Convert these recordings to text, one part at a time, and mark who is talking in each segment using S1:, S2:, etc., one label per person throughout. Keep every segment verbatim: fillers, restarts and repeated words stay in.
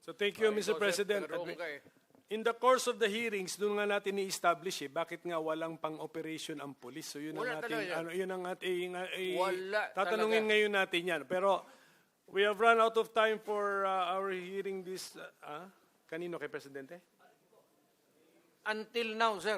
S1: So thank you,
S2: Ah,
S1: Mister
S2: ikaw, sir,
S1: President.
S2: taga-roon ka eh.
S1: In the course of the hearings, doon nga natin i-establish eh, bakit nga walang pang-operation ang police. So yun
S2: Wala
S1: ang ating,
S2: talaga yan.
S1: ano, yun ang ating, uh, eh,
S2: Wala
S1: tatanungin
S2: talaga.
S1: ngayon natin yan. Pero we have run out of time for uh, our hearing this, uh, ah? Kanino kay Presidente?
S2: Until now, sir.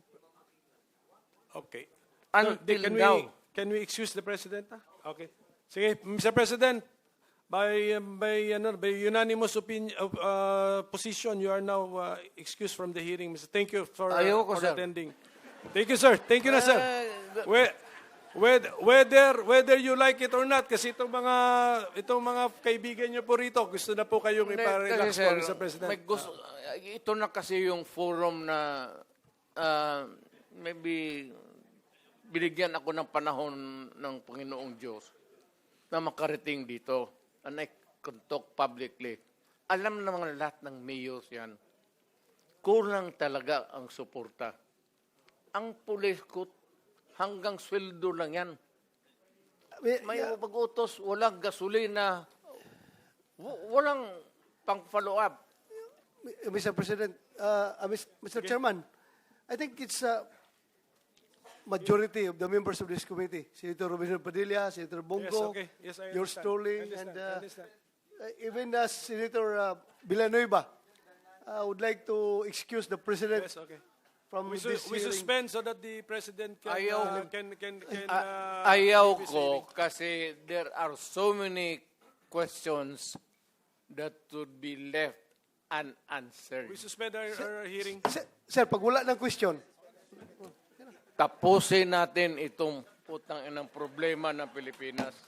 S1: Okay.
S2: Until
S1: can
S2: now.
S1: we can we excuse the President? ah? Okay. Sige, Mister President, by um, by ano by unanimous opinion of uh, position, you are now uh, excused from the hearing. Mister Thank you for, uh,
S2: Ayoko,
S1: for
S2: sir.
S1: attending. Thank you, sir. Thank you na, sir.
S2: Eh,
S1: We- Whether, whether whether you like it or not, kasi itong mga itong mga kaibigan niyo po rito, gusto na po kayong
S2: Hindi,
S1: iparelax
S2: kasi,
S1: po,
S2: sir,
S1: Mister President.
S2: may gusto, ito na kasi yung forum na ah, maybe binigyan ako ng panahon ng Panginoong Diyos na makarating dito. And I can talk publicly. Alam naman lahat ng mayors yan. Kulang talaga ang suporta. Ang pulis ko, hanggang sweldo lang yan. May pag-utos, walang gasolina, w- walang pang-follow up.
S3: Mister President, uh, uh, Mister Chairman, I think it's a majority of the members of this committee. Senator Robinson Padilla, Senator Bongo,
S1: Yes, okay. Yes, I
S3: yours
S1: understand.
S3: truly,
S1: I understand.
S3: and
S1: I
S3: uh,
S1: understand.
S3: uh, even uh, Senator uh, Villanueva. I would like to excuse the President
S1: Yes, okay.
S3: from
S1: We, su-
S3: this
S1: we
S3: hearing.
S1: suspend so that the President can
S2: Ayaw.
S1: uh, can can, can
S2: A-
S1: uh,
S2: Ayaw
S1: leave his
S2: ko
S1: hearing.
S2: kasi there are so many questions that would be left unanswered.
S1: We suspend our, our hearing.
S3: Sir, sir, pag wala ng question,
S2: Tapusin natin itong putang inang problema ng Pilipinas.